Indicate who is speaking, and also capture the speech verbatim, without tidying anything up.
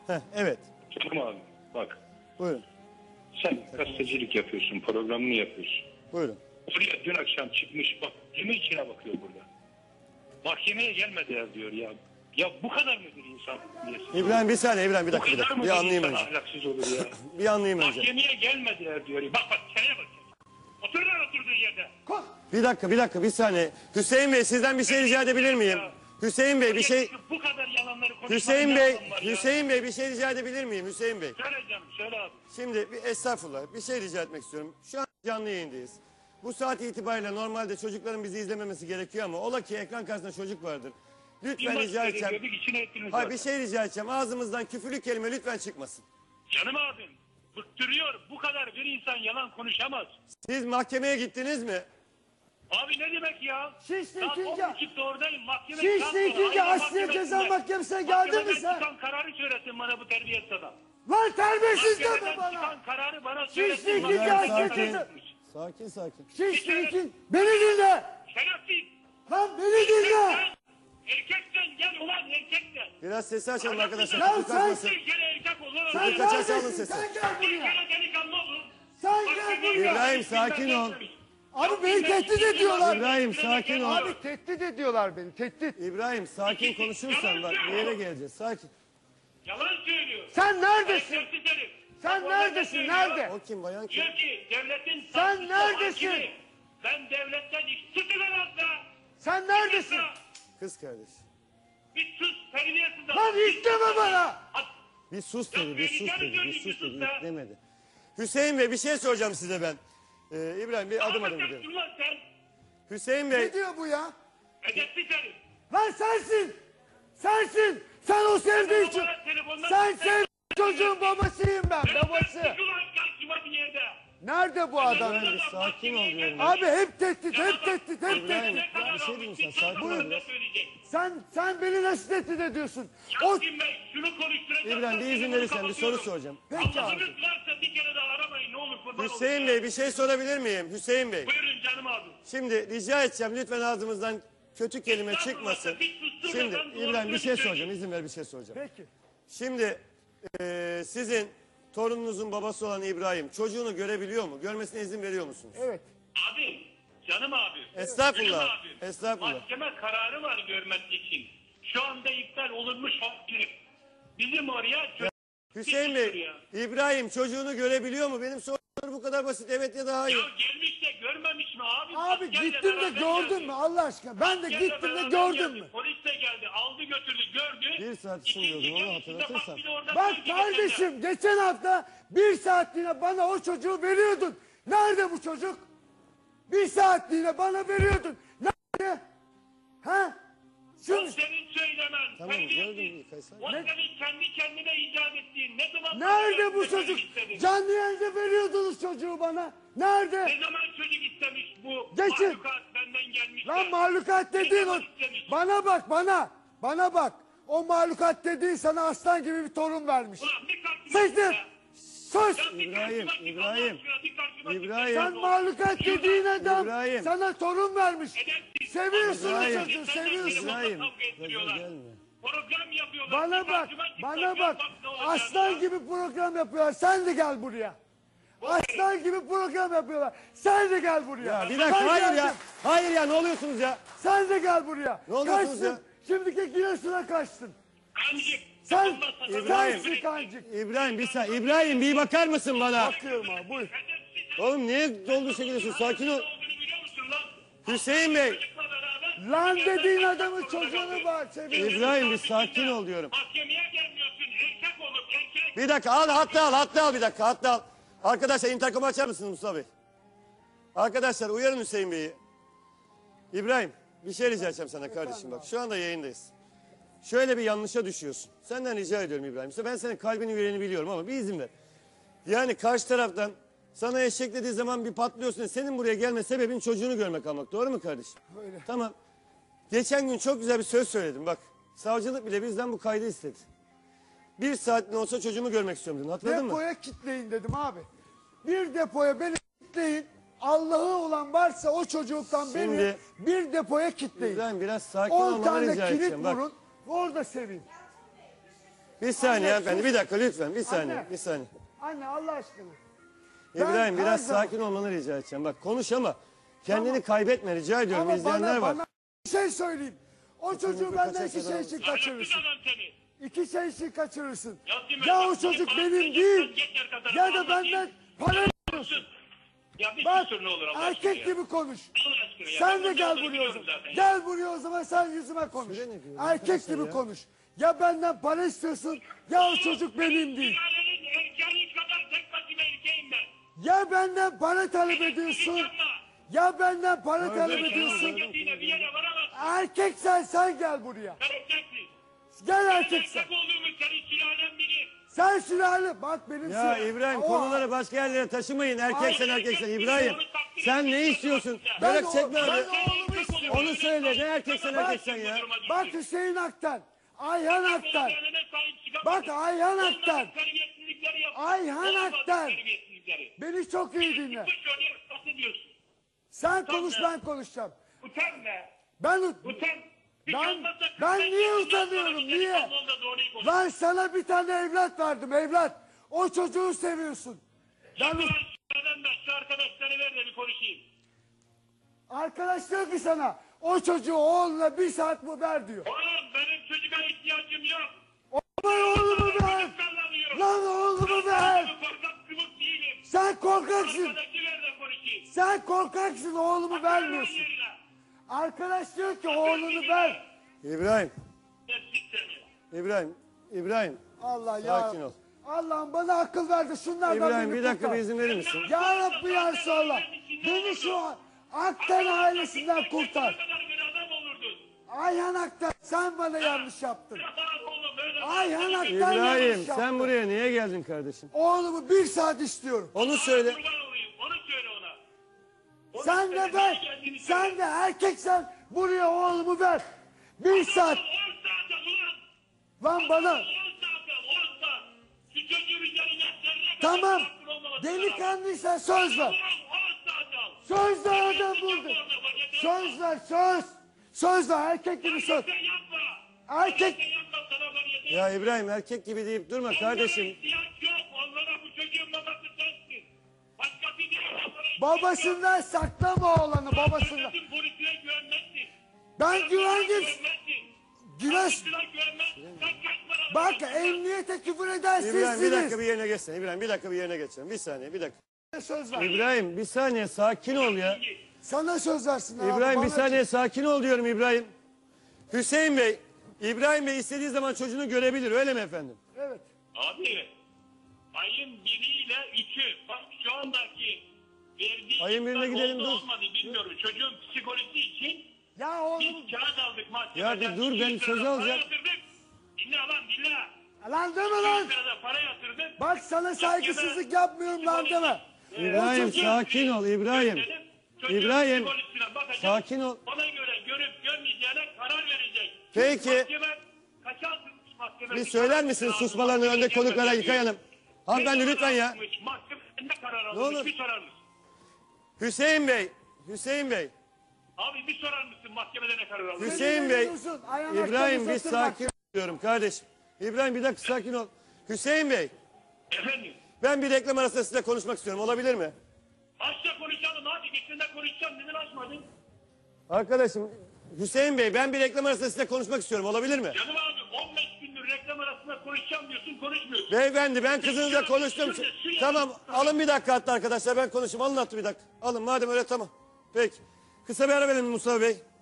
Speaker 1: Heh, evet.
Speaker 2: Canım abi bak.
Speaker 1: Buyurun.
Speaker 2: Sen gazetecilik yapıyorsun, programını yapıyorsun.
Speaker 1: Buyurun.
Speaker 2: Oraya dün akşam çıkmış bak, yemin içine bakıyor burada. Mahkemeye gelmediler diyor ya. Ya bu kadar mıdır insan?
Speaker 1: İbrahim bir saniye, İbrahim bir
Speaker 2: Bu
Speaker 1: dakika. Bir,
Speaker 2: kadar
Speaker 1: dakika.
Speaker 2: mıdır
Speaker 1: bir anlayayım
Speaker 2: insan
Speaker 1: önce.
Speaker 2: ahlaksız olur ya?
Speaker 1: Bir anlayayım önce.
Speaker 2: Mahkemeye gelmediler diyor. Bak bak, şeye bak. Otur lan oturduğun yerde.
Speaker 1: Bir dakika, bir dakika, bir saniye. Hüseyin Bey sizden bir şey rica edebilir miyim? Hüseyin Bey bir şey...
Speaker 2: Bu kadar yalanları konuşmanın
Speaker 1: Hüseyin
Speaker 2: ne
Speaker 1: Bey,
Speaker 2: anlamı var ya?
Speaker 1: Hüseyin Bey bir şey rica edebilir miyim Hüseyin Bey?
Speaker 2: Söyle canım, söyle abi.
Speaker 1: Şimdi bir estağfurullah bir şey rica etmek istiyorum. Şu an canlı yayındayız. Bu saat itibariyle normalde çocukların bizi izlememesi gerekiyor ama ola ki ekran karşısında çocuk vardır. Lütfen rica edeceğim. Hayır bir şey rica edeceğim. Ağzımızdan küfürlü kelime lütfen çıkmasın.
Speaker 2: Canım abim, bıktırıyor. Bu kadar bir insan yalan konuşamaz.
Speaker 1: Siz mahkemeye gittiniz mi?
Speaker 2: Abi ne demek ya?
Speaker 3: Şişli
Speaker 2: Saat
Speaker 3: ikinci.
Speaker 2: on buçukta oradayım. Mahkeme
Speaker 3: Şişli ikinci Asliye Ceza Mahkemesi'ne geldin mi
Speaker 2: Mahkemeden
Speaker 3: sen?
Speaker 2: çıkan kararı söylesin bana bu terbiyesiz adam.
Speaker 3: Lan terbiyesiz deme
Speaker 2: Mahkemeden
Speaker 3: bana.
Speaker 2: çıkan kararı bana
Speaker 3: Şişli
Speaker 2: söylesin.
Speaker 3: ikinci
Speaker 2: Mahkemeden
Speaker 3: Asliye
Speaker 2: çıkan
Speaker 3: Ceza.
Speaker 2: kararı.
Speaker 1: Sakin sakin.
Speaker 3: Şişli ikinci. Beni dinle.
Speaker 2: Şerefsiz.
Speaker 3: Lan beni dinle.
Speaker 2: Erkeksen gel ulan erkeksen.
Speaker 1: Biraz sesi açalım arkadaşlar.
Speaker 3: Ya
Speaker 1: Çocuk
Speaker 3: sen-
Speaker 1: kalkmasın.
Speaker 2: Bir kere erkek ol lan.
Speaker 3: Sen
Speaker 2: Bir
Speaker 1: kaçarsa alın
Speaker 3: neredesin?
Speaker 1: sesi.
Speaker 3: Sen gel buraya.
Speaker 2: kere delikanlı olun.
Speaker 3: Sen gel buraya.
Speaker 1: İbrahim sakin ol.
Speaker 3: Abi beni tehdit ediyorlar.
Speaker 1: İbrahim sakin ol.
Speaker 3: Abi tehdit ediyorlar beni. Tehdit.
Speaker 1: İbrahim sakin konuşursan bak bir yere geleceğiz. Sakin.
Speaker 2: Yalan söylüyor.
Speaker 3: Sen neredesin?
Speaker 2: Şerefsiz herif.
Speaker 3: Sen
Speaker 2: Bak,
Speaker 3: neredesin?
Speaker 2: söylüyor.
Speaker 3: Nerede?
Speaker 1: O kim bayan kim?
Speaker 2: Diyor ki devletin...
Speaker 3: Sen
Speaker 2: savcısı,
Speaker 3: neredesin?
Speaker 2: hakimi. Ben devletten iş... Susun lan asla.
Speaker 3: Sen neredesin?
Speaker 1: Kız kardeş.
Speaker 2: Bir sus terbiyesiz adam.
Speaker 3: Lan isteme bana.
Speaker 2: At-
Speaker 1: Bir sus
Speaker 2: Ya
Speaker 1: dedi, bir sus
Speaker 2: beni
Speaker 1: dedi, bir
Speaker 2: canım
Speaker 1: sus
Speaker 2: gönlüm
Speaker 1: dedi,
Speaker 2: sus be.
Speaker 1: demedi. Hüseyin Bey bir şey soracağım size ben. Ee, İbrahim bir adım adım
Speaker 2: Anlatacaksın
Speaker 1: gidelim.
Speaker 2: lan sen.
Speaker 1: Hüseyin Bey,
Speaker 3: Ne diyor bu ya?
Speaker 2: Edepsiz herif.
Speaker 3: Lan sensin. Sensin. Sen o sevdiği için.
Speaker 2: Bana telefondan-
Speaker 3: Sen sevdiğin çocuğun babasıyım ben. Babası.
Speaker 2: Çık ulan karşıma bir yerde.
Speaker 3: Nerede bu adam?
Speaker 1: İbrahim bir sakin ol diyorum.
Speaker 3: Abi hep tehdit, hep tehdit, hep
Speaker 1: İbrahim
Speaker 3: tehdit.
Speaker 1: bir şey diyeyim sen sakin ol
Speaker 2: Buyurun.
Speaker 1: biraz.
Speaker 3: Sen sen beni nasıl tehdit ediyorsun? O
Speaker 2: Yasin Bey şunu konuşturacağım.
Speaker 1: İbrahim bir izin verirsen bir soru soracağım.
Speaker 3: Peki abi.
Speaker 2: Allah'ınız varsa bir kere daha aramayın ne olur kurban
Speaker 1: Hüseyin
Speaker 2: olun
Speaker 1: Bey
Speaker 2: ya.
Speaker 1: bir şey sorabilir miyim? Hüseyin Bey.
Speaker 2: Buyurun canım abi.
Speaker 1: Şimdi rica edeceğim lütfen ağzımızdan kötü kelime çıkmasın. Şimdi İbrahim bir şey soracağım, izin ver bir şey soracağım.
Speaker 3: Peki.
Speaker 1: Şimdi eee, sizin torununuzun babası olan İbrahim çocuğunu görebiliyor mu? Görmesine izin veriyor musunuz?
Speaker 3: Evet.
Speaker 2: Abi canım abi.
Speaker 1: Estağfurullah,
Speaker 2: Canım abi.
Speaker 1: estağfurullah.
Speaker 2: Mahkeme kararı var görmek için. Şu anda iptal olunmuş hakkı. Bizim oraya...
Speaker 1: Hüseyin Bey, İbrahim çocuğunu görebiliyor mu? Benim sorum bu kadar basit. Evet ya da
Speaker 2: Ya
Speaker 1: hayır.
Speaker 2: gelmiş de görmemiş mi abi?
Speaker 3: Abi
Speaker 2: Askerle
Speaker 3: gittim de
Speaker 2: beraber
Speaker 3: gördün
Speaker 2: geldi.
Speaker 3: mü Allah aşkına? Ben de
Speaker 2: Askerle
Speaker 3: gittim de
Speaker 2: beraber
Speaker 3: gördün
Speaker 2: geldi.
Speaker 3: mü?
Speaker 2: Polis de geldi. Aldı götürdü gördü.
Speaker 1: Bir saat
Speaker 2: İkinci
Speaker 1: sunuyordum, onu
Speaker 2: görüşünde bak
Speaker 1: hatırlatırsan.
Speaker 2: bir de orada
Speaker 3: Bak
Speaker 2: söyledi
Speaker 3: kardeşim geçen hafta bir saatliğine bana o çocuğu veriyordun. Nerede bu çocuk? Bir saatliğine bana veriyordun. Nerede? Ha?
Speaker 2: O
Speaker 3: Şimdi
Speaker 2: senin söylemen.
Speaker 1: Tamam,
Speaker 2: terbiyesiz.
Speaker 1: gördüm, Kayseri.
Speaker 2: O senin kendi kendine icat ettiğin. Ne zaman...
Speaker 3: nerede bu
Speaker 2: Ne zaman
Speaker 3: çocuk?
Speaker 2: istedin?
Speaker 3: Canlı yayında veriyordunuz çocuğu bana. Nerede?
Speaker 2: Ne zaman çocuk istemiş bu?
Speaker 3: Geçin.
Speaker 2: Mahlukat benden gelmiş.
Speaker 3: Lan
Speaker 2: de.
Speaker 3: mahlukat dediğin o. Bana bak bana. Bana bak. O mahlukat dediğin sana aslan gibi bir torun vermiş.
Speaker 2: Ulan bir karşıma
Speaker 3: Sıktım.
Speaker 2: çık ya.
Speaker 3: Sus.
Speaker 2: Ya bir
Speaker 1: İbrahim,
Speaker 2: karşıma çık,
Speaker 1: İbrahim,
Speaker 2: Allah aşkına bir karşıma çık.
Speaker 1: İbrahim.
Speaker 3: Sen mahlukat dediğin adam
Speaker 1: İbrahim.
Speaker 3: sana torun vermiş.
Speaker 2: Edepsiz.
Speaker 3: Seviyorsun
Speaker 1: İbrahim.
Speaker 3: o çocuğu seviyorsun.
Speaker 1: İbrahim,
Speaker 2: Kavga ettiriyorlar.
Speaker 1: gelme.
Speaker 2: Program yapıyorlar.
Speaker 3: Bana
Speaker 2: Bir
Speaker 3: bak,
Speaker 2: karşıma çık,
Speaker 3: bana
Speaker 2: gel
Speaker 3: bak.
Speaker 2: ne olacak
Speaker 3: Aslan
Speaker 2: ya.
Speaker 3: gibi program yapıyorlar. Sen de gel buraya. Aslan gibi program yapıyorlar. Sen de gel buraya.
Speaker 1: Ya bir dakika
Speaker 3: Ben
Speaker 1: hayır
Speaker 3: geldim.
Speaker 1: ya. Hayır ya ne oluyorsunuz ya?
Speaker 3: Sen de gel buraya.
Speaker 1: Ne oluyorsunuz
Speaker 3: Kaçtın.
Speaker 1: ya?
Speaker 3: Şimdiki Giresun'a kaçtın.
Speaker 2: Kancık.
Speaker 3: Sen,
Speaker 2: Allah sana-
Speaker 1: İbrahim.
Speaker 3: sensin kancık.
Speaker 1: İbrahim bir saniye. İbrahim bir bakar mısın bana?
Speaker 3: Bakıyorum abi buyur.
Speaker 2: Edepsiz.
Speaker 1: Oğlum niye doldu çekiliyorsun? Sakin ol.
Speaker 2: Ne olduğunu biliyor musun lan?
Speaker 1: Hüseyin Bey.
Speaker 2: Çocukla beraber-
Speaker 3: Lan dediğin adamın çocuğunu var. Seviyorsun.
Speaker 1: İbrahim bir sakin ol diyorum.
Speaker 2: Mahkemeye gelmiyorsun. Erkek olup erkek.
Speaker 1: Bir dakika al hatta al hatta al bir dakika hatta al. Arkadaşlar interkomu açar mısınız Mustafa Bey? Arkadaşlar uyarın Hüseyin Bey'i. İbrahim bir şey rica edeceğim sana kardeşim bak şu anda yayındayız. Şöyle bir yanlışa düşüyorsun. Senden rica ediyorum İbrahim. İşte ben senin kalbini yüreğini biliyorum ama bir izin ver. Yani karşı taraftan sana eşek dediği zaman bir patlıyorsun. Senin buraya gelme sebebin çocuğunu görmek almak. Doğru mu kardeşim?
Speaker 3: Öyle.
Speaker 1: Tamam. Geçen gün çok güzel bir söz söyledim bak. Savcılık bile bizden bu kaydı istedi. Bir saatliğine olsa çocuğumu görmek istiyorum dedin. Hatırladın mı?
Speaker 3: Depoya kitleyin dedim abi. Bir depoya beni kitleyin. Allah'ı olan varsa o çocuktan beni
Speaker 1: Şimdi-
Speaker 3: bir depoya kitleyin.
Speaker 1: İbrahim biraz sakin
Speaker 3: On
Speaker 1: olmanı
Speaker 3: tane
Speaker 1: rica
Speaker 3: kilit
Speaker 1: edeceğim. Bak.
Speaker 3: vurun. Orada seveyim.
Speaker 1: Bir saniye
Speaker 3: Anne,
Speaker 1: hanımefendi.
Speaker 3: sus.
Speaker 1: Bir dakika lütfen. Bir saniye.
Speaker 3: Anne.
Speaker 1: Bir saniye.
Speaker 3: Anne Allah aşkına. Ben
Speaker 1: İbrahim
Speaker 3: her
Speaker 1: biraz
Speaker 3: zaman-
Speaker 1: sakin olmanı rica edeceğim. Bak konuş ama kendini
Speaker 3: Tamam.
Speaker 1: kaybetme rica ediyorum.
Speaker 3: Ama
Speaker 1: İzleyenler
Speaker 3: bana,
Speaker 1: var.
Speaker 3: bana bir şey söyleyeyim. O çocuğu
Speaker 1: mikro
Speaker 3: benden
Speaker 1: kaçak
Speaker 3: iki şey
Speaker 1: adam.
Speaker 3: için
Speaker 2: Kaçırsın
Speaker 3: kaçırırsın.
Speaker 2: adam seni.
Speaker 3: İki şey için kaçırırsın.
Speaker 2: Ya değil mi?
Speaker 3: Ya o
Speaker 2: Bak,
Speaker 3: çocuk
Speaker 2: bak,
Speaker 3: benim
Speaker 2: bak,
Speaker 3: değil.
Speaker 2: geçer kadar
Speaker 3: Ya da
Speaker 2: anlatayım.
Speaker 3: benden para alıyorsun.
Speaker 2: Ya bir
Speaker 3: Bak
Speaker 2: susur ne olur Allah aşkına
Speaker 3: erkek
Speaker 2: ya.
Speaker 3: gibi konuş.
Speaker 2: Allah aşkına ya.
Speaker 3: Sen
Speaker 2: Ben
Speaker 3: de gel
Speaker 2: bunu
Speaker 3: buraya o
Speaker 2: biliyorum
Speaker 3: zaman.
Speaker 2: zaten.
Speaker 3: Gel buraya o zaman sen yüzüme konuş.
Speaker 1: Süre ne diyor
Speaker 3: Erkek
Speaker 1: arkadaşlar
Speaker 3: gibi
Speaker 1: ya?
Speaker 3: konuş. Ya benden para istiyorsun ya o çocuk benim değil.
Speaker 2: Sülalenin erkeği kadar tek başıma erkeğim ben.
Speaker 3: Ya benden para talep ediyorsun. Ya benden para talep ediyorsun.
Speaker 2: Hareketiyle bir yere varamazsın.
Speaker 3: Erkek sen sen gel buraya.
Speaker 2: Sen erkeksin.
Speaker 3: Gel
Speaker 2: Ben
Speaker 3: erkek sen.
Speaker 2: erkek olduğumu senin sülalen bilir.
Speaker 3: Sen sülale bak benim
Speaker 1: Ya
Speaker 3: sülalem.
Speaker 1: İbrahim
Speaker 3: O-
Speaker 1: konuları başka yerlere taşımayın. Erkeksen
Speaker 3: Ay,
Speaker 1: erkeksen. İbrahim sen ne istiyorsun?
Speaker 3: Ben
Speaker 1: Bırak
Speaker 3: o-
Speaker 1: çekme
Speaker 3: ben
Speaker 1: hadi.
Speaker 3: oğlumu istiyorum.
Speaker 1: Onu söyle ne erkeksen erkeksen ya.
Speaker 3: Bak Hüseyin Aktan. Ayhan Aktan. Bak Ayhan Aktan. Ayhan Aktan. Beni çok iyi dinle. Sen konuş ben konuşacağım.
Speaker 2: Utan be.
Speaker 3: Ben
Speaker 2: Utan. Hiç
Speaker 3: Ben-
Speaker 2: anlatma.
Speaker 3: ben
Speaker 2: Sen
Speaker 3: niye
Speaker 2: ondan
Speaker 3: utanıyorum,
Speaker 2: sonra bir
Speaker 3: niye?
Speaker 2: telefonda doğruyu konuş.
Speaker 3: lan sana bir tane evlat verdim evlat. O çocuğu seviyorsun. Ben
Speaker 2: Ulan şuradan da şu arkadaşları ver de bir konuşayım.
Speaker 3: arkadaş diyor ki sana o çocuğu oğluna bir saat bu ver diyor.
Speaker 2: Oğlum benim çocuğa ihtiyacım yok.
Speaker 3: Lan oğlumu ver.
Speaker 2: Sallanıyorum.
Speaker 3: Lan oğlumu
Speaker 2: Ben
Speaker 3: ver.
Speaker 2: korkak kıvık değilim.
Speaker 3: Sen korkaksın.
Speaker 2: Arkadaşı ver de konuşayım.
Speaker 3: Sen korkaksın oğlumu vermiyorsun.
Speaker 2: Yerine.
Speaker 3: Arkadaş diyor ki oğlunu ver.
Speaker 1: İbrahim,
Speaker 2: Ne sik seni.
Speaker 1: İbrahim, İbrahim.
Speaker 3: Allah ya.
Speaker 1: Sakin ol.
Speaker 3: Allah'ım bana akıl verdi şunlardan
Speaker 1: İbrahim
Speaker 3: beni
Speaker 1: bir dakika
Speaker 3: kurtar.
Speaker 1: bir izin verir misin?
Speaker 3: Ya Rabbi ya Resulallah. Beni şu an Aktan ailesinden kurtar.
Speaker 2: Ne kadar bir adam olurdun.
Speaker 3: Ayhan Aktan sen bana yanlış yaptın.
Speaker 2: Ya oğlum böyle.
Speaker 3: Ayhan Aktan
Speaker 1: İbrahim
Speaker 3: yanlış yaptı.
Speaker 1: sen buraya niye geldin kardeşim?
Speaker 3: Oğlumu bir saat istiyorum.
Speaker 1: Onu söyle.
Speaker 2: Kurban olayım. Onu söyle ona. Onu
Speaker 3: Sen
Speaker 2: söyle,
Speaker 3: de
Speaker 2: nereye
Speaker 3: ver.
Speaker 2: geldiğini söyle.
Speaker 3: Sen de erkeksen buraya oğlumu ver. Bir saat.
Speaker 2: on saate ulan.
Speaker 3: Lan bana.
Speaker 2: on saate on saat. Şu çocuğun üzerine zerre kadar
Speaker 3: Tamam.
Speaker 2: hakkın olmaması lazım.
Speaker 3: Delikanlıysan söz ver.
Speaker 2: Ulan on saat al.
Speaker 3: Söz ver adam
Speaker 2: Sen
Speaker 3: burada.
Speaker 2: yapma orada, bak yeter.
Speaker 3: Söz ver söz. Söz ver erkek gibi söz.
Speaker 2: Sen yapma.
Speaker 3: Erkek.
Speaker 2: Sen yapma, sana bak yeter.
Speaker 1: Ya İbrahim erkek gibi deyip durma kardeşim.
Speaker 2: Onlara ihtiyaç yok. Onlara bu çocuğun babası sensin. Başkası değil. Onlara ihtiyaç yok.
Speaker 3: Babasından saklama oğlanı babasından.
Speaker 2: Devletin polisine güvenmezsin.
Speaker 3: Ben güvendim.
Speaker 2: Güvenmezsin.
Speaker 3: Güneş.
Speaker 2: Polisine güvenmezsin. Sen kaç para
Speaker 3: Bak
Speaker 2: alıyorsun?
Speaker 3: emniyete küfür eden
Speaker 1: İbrahim bir dakika
Speaker 3: sizsiniz.
Speaker 1: bir yerine geçsene. İbrahim bir dakika bir yerine geçelim. Bir saniye bir dakika.
Speaker 3: Söz ver.
Speaker 1: İbrahim bir saniye sakin ol ya.
Speaker 3: Sana söz versin abi.
Speaker 1: İbrahim bir
Speaker 3: bana
Speaker 1: saniye sakin ol diyorum İbrahim. Hüseyin Bey, İbrahim Bey istediği zaman çocuğunu görebilir öyle mi efendim?
Speaker 3: Evet.
Speaker 2: Abi ayın biriyle üçü bak şu andaki verdiği
Speaker 1: Ayın birine
Speaker 2: ihbar
Speaker 1: gidelim,
Speaker 2: oldu,
Speaker 1: dur.
Speaker 2: olmadı bilmiyorum. Çocuğun psikolojisi için
Speaker 3: Ya oğlum.
Speaker 2: biz kağıt aldık mahkemeden.
Speaker 1: Ya bir dur, ben
Speaker 2: yüz
Speaker 1: söz
Speaker 2: lira
Speaker 1: alacağım.
Speaker 2: Para yatırdık. Dinle lan dinle.
Speaker 3: Lan deme lan.
Speaker 2: yüz lirada para yatırdık.
Speaker 3: Bak sana saygısızlık yapmıyorum lan deme.
Speaker 1: İbrahim
Speaker 3: O çocuğu-
Speaker 1: sakin ol İbrahim.
Speaker 2: Dedim, çocuğun
Speaker 1: İbrahim,
Speaker 2: psikolojisine bakacak.
Speaker 1: sakin ol.
Speaker 2: Ona göre görüp görmeyeceğine karar verecek.
Speaker 1: Peki.
Speaker 2: Mahkeme kaça atılmış mahkeme?
Speaker 1: Bir söyler misiniz susmalarını önde konuklara İlkay Hanım? Hanımefendi lütfen ya.
Speaker 2: Mahkeme ne karar
Speaker 1: Ne olur.
Speaker 2: almış bir sorar mısın?
Speaker 1: Hüseyin Bey, Hüseyin Bey,
Speaker 2: Abi bir sorar mısın mahkemede ne karar almış?
Speaker 1: Hüseyin Bey,
Speaker 3: Uzun, ayağına
Speaker 1: İbrahim bir
Speaker 3: kafası atır bak.
Speaker 1: sakin ol diyorum kardeşim. İbrahim bir dakika sakin ol. Hüseyin Bey,
Speaker 2: Efendim?
Speaker 1: ben bir reklam arasında sizinle konuşmak istiyorum. Olabilir mi?
Speaker 2: Açla konuşalım hadi geçinde konuşacağım neden açmadın?
Speaker 1: Arkadaşım, Hüseyin Bey ben bir reklam arasında sizinle konuşmak istiyorum. Olabilir mi?
Speaker 2: Canım abi on beş gündür reklam arasında konuşacağım diyorsun konuşmuyorsun.
Speaker 1: Beyefendi ben kızınızla konuştum. Tamam alın bir dakika hatta arkadaşlar ben konuşayım. Alın hattı bir dakika. Alın madem öyle tamam. Peki. Kısa bir ara verelim Mustafa Bey.